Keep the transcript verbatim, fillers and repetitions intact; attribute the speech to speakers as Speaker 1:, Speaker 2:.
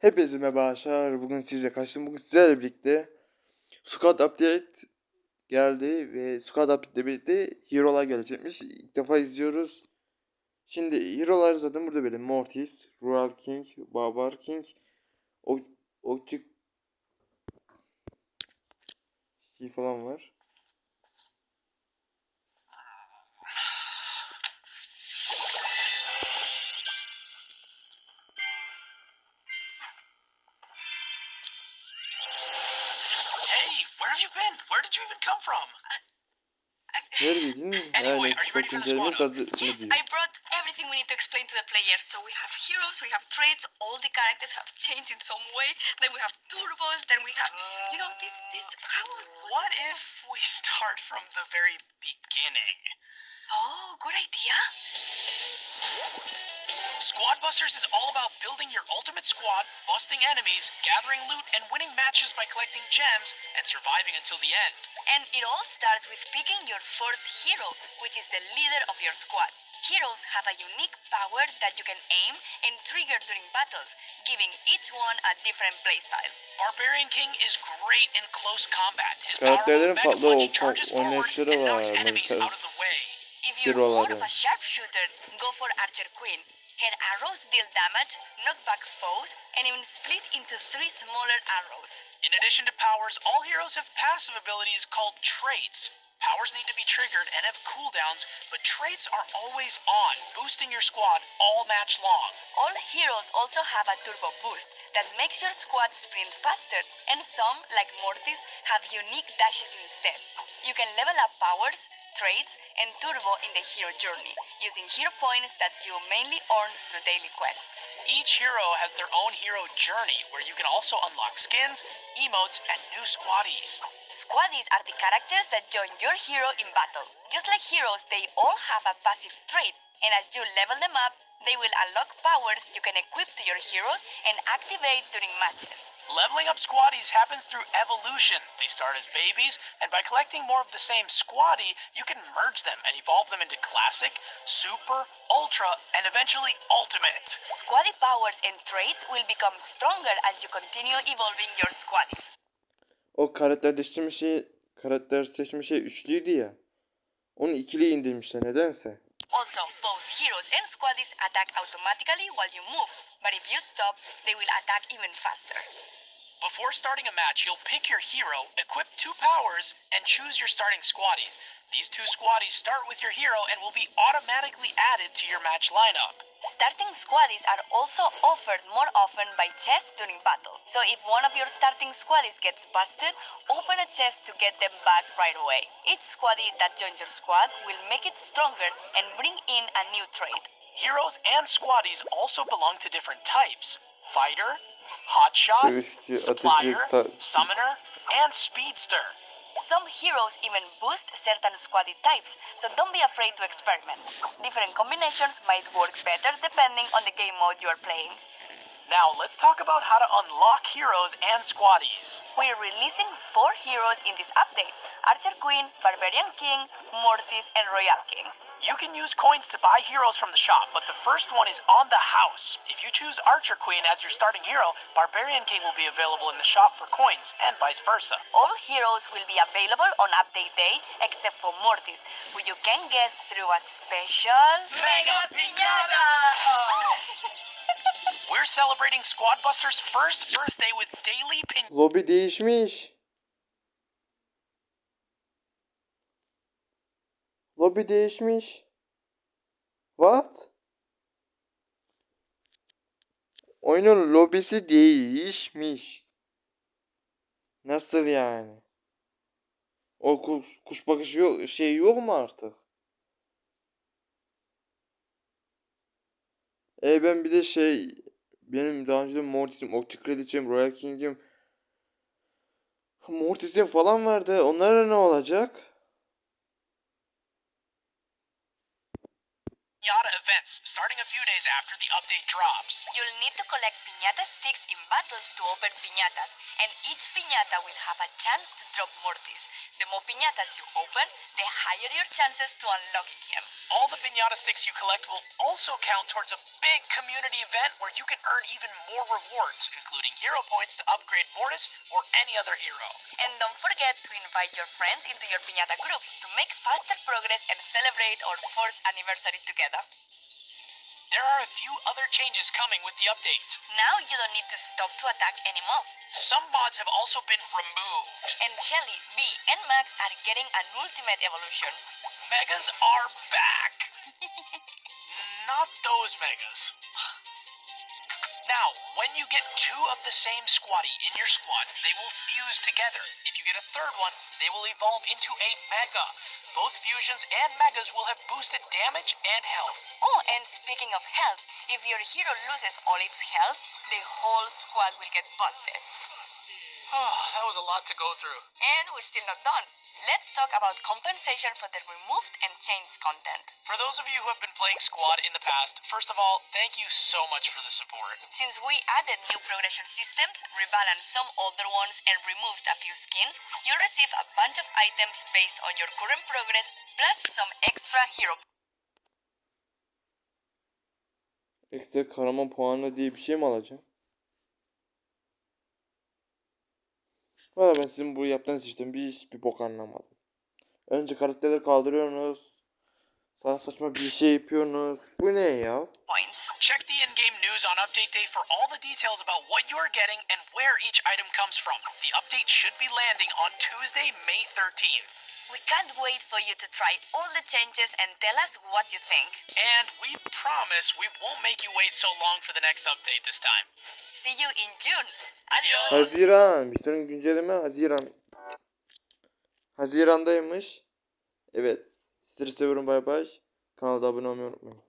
Speaker 1: Hepinize merhaba arkadaşlar. Bugün sizle karşılaştım. Bugün sizlerle birlikte Squad Update geldi ve Squad Update ile birlikte Hero'lar gelecekmiş. İlk defa izliyoruz. Şimdi Hero'lar zaten burada böyle Mortis, Royal King, Barbar King, o Okçu şey falan var.
Speaker 2: Hey, where have you been? Where did you even come from?
Speaker 1: Neredeydin?
Speaker 2: Anyway,
Speaker 1: Yani
Speaker 2: are you ready
Speaker 1: Squad
Speaker 2: for the squad
Speaker 1: güncellemesi
Speaker 2: up?
Speaker 1: hazır ne
Speaker 3: Yes,
Speaker 1: diyor?
Speaker 3: I brought everything we need to explain to the players. So we have heroes, we have traits, all the characters have changed in some way. Then we have turbos, then we have, you know, this, this, how?
Speaker 2: What if we start from the very beginning?
Speaker 3: Oh, good idea.
Speaker 2: Squad Busters is all about building your ultimate squad, busting enemies, gathering loot, and winning matches by collecting gems and surviving until the end.
Speaker 3: And it all starts with picking your first hero, which is the leader of your squad. Heroes have a unique power that you can aim and trigger during battles, giving each one a different playstyle.
Speaker 2: Barbarian King is great in close combat. His power move
Speaker 1: Karakterlerin
Speaker 2: Mega
Speaker 1: farklı
Speaker 2: Punch
Speaker 1: o
Speaker 2: charges forward
Speaker 1: oynayışları
Speaker 2: and knocks
Speaker 1: var.
Speaker 2: enemies
Speaker 1: Mesela
Speaker 2: out of the way.
Speaker 3: If you're more of
Speaker 1: Hero'ların.
Speaker 3: a sharpshooter, go for Archer Queen. Her arrows deal damage, knock back foes, and even split into three smaller arrows.
Speaker 2: In addition to powers, all heroes have passive abilities called traits. Powers need to be triggered and have cooldowns, but traits are always on, boosting your squad all match long.
Speaker 3: All heroes also have a turbo boost that makes your squad sprint faster, and some, like Mortis, have unique dashes instead. You can level up powers, traits, and turbo in the hero journey, using hero points that you mainly earn through daily quests.
Speaker 2: Each hero has their own hero journey, where you can also unlock skins, emotes, and new squaddies.
Speaker 3: Squaddies are the characters that join your hero in battle. Just like heroes, they all have a passive trait, and as you level them up, they will unlock powers you can equip to your heroes and activate during matches.
Speaker 2: Leveling up squaddies happens through evolution. They start as babies, and by collecting more of the same squaddie, you can merge them and evolve them into classic, super, ultra, and eventually ultimate.
Speaker 3: Squaddie powers and traits will become stronger as you continue evolving your squaddies.
Speaker 1: O karakter seçme şey karakter seçme şey üçlüydü ya. Onu ikili indirmişler nedense.
Speaker 3: Also, both heroes and squaddies attack automatically while you move, but if you stop, they will attack even faster.
Speaker 2: Before starting a match, you'll pick your hero, equip two powers, and choose your starting squaddies. These two squaddies start with your hero and will be automatically added to your match lineup.
Speaker 3: Starting squaddies are also offered more often by chests during battle. So if one of your starting squaddies gets busted, open a chest to get them back right away. Each squaddie that joins your squad will make it stronger and bring in a new trait.
Speaker 2: Heroes and squaddies also belong to different types. Fighter, hotshot,
Speaker 1: Dövüşçü,
Speaker 2: supplier,
Speaker 1: atıcı, ta-
Speaker 2: summoner, and speedster.
Speaker 3: Some heroes even boost certain squaddie types, so don't be afraid to experiment. Different combinations might work better depending on the game mode you are playing.
Speaker 2: Now let's talk about how to unlock heroes and squaddies.
Speaker 3: We're releasing four heroes in this update: Archer Queen, Barbarian King, Mortis, and Royal King.
Speaker 2: You can use coins to buy heroes from the shop, but the first one is on the house. If you choose Archer Queen as your starting hero, Barbarian King will be available in the shop for coins, and vice versa.
Speaker 3: All heroes will be available on update day except for Mortis, who you can get through a special Mega Piñata!
Speaker 2: We're celebrating Squad Busters' first birthday with daily pin.
Speaker 1: Lobi değişmiş. Lobi değişmiş. What? Oyunun lobisi değişmiş. Nasıl yani? O kuş, kuş bakışı yok, şey yok mu artık? E ben bir de şey benim daha önce Mortis'im, Okçu Kraliçem, Royal King'im, Mortis'im falan vardı. Onlara ne olacak?
Speaker 2: Piñata events starting a few days after the update drops.
Speaker 3: You'll need to collect piñata sticks in battles to open piñatas, and each piñata will have a chance to drop Mortis. The more piñatas you open, the higher your chances to unlocking him.
Speaker 2: All the piñata sticks you collect will also count towards a big community event where you can earn even more rewards, including hero points to upgrade Mortis or any other hero.
Speaker 3: And don't forget to invite your friends into your piñata groups to make faster progress and celebrate our fourth anniversary together.
Speaker 2: There are a few other changes coming with the update.
Speaker 3: Now you don't need to stop to attack anymore.
Speaker 2: Some mods have also been removed.
Speaker 3: And Shelly, Bee, and Max are getting an ultimate evolution.
Speaker 2: Megas are back. Not those megas. Now, when you get two of the same squatty in your squad, they will fuse together. If you get a third one, they will evolve into a mega. Both fusions and megas will have boosted damage and health.
Speaker 3: Oh, and speaking of health, if your hero loses all its health, the whole squad will get busted.
Speaker 2: Oh, that was a lot to go through.
Speaker 3: And we're still not done. Let's talk about compensation for the removed and changed content.
Speaker 2: For those of you who have been playing Squad in the past, first of all, thank you so much for the support.
Speaker 3: Since we added new progression systems, rebalanced some older ones, and removed a few skins, you'll receive a bunch of items based on your current progress, plus some extra hero.
Speaker 1: Ekstra kahraman puanı diye bir şey mi alacağım? Valla ben sizin bu yaptığınız işten bir hiçbir bok anlamadım. Önce karakterleri kaldırıyorsunuz. Sana saçma bir şey yapıyorsunuz. Bu ne ya?
Speaker 2: Points. Check the in-game news on update day for all the details about what you are getting and where each item comes from. The update should be landing on Tuesday, May thirteenth.
Speaker 3: We can't wait for you to try all the changes and tell us what you think.
Speaker 2: And we promise we won't make you wait so long for the next update this time.
Speaker 3: See you in June. Adios.
Speaker 1: Haziran. Bir sonraki güncelleme Haziran. Haziran'daymış. Evet. Sizleri seviyorum, bay bay. Kanala da abone olmayı unutmayın.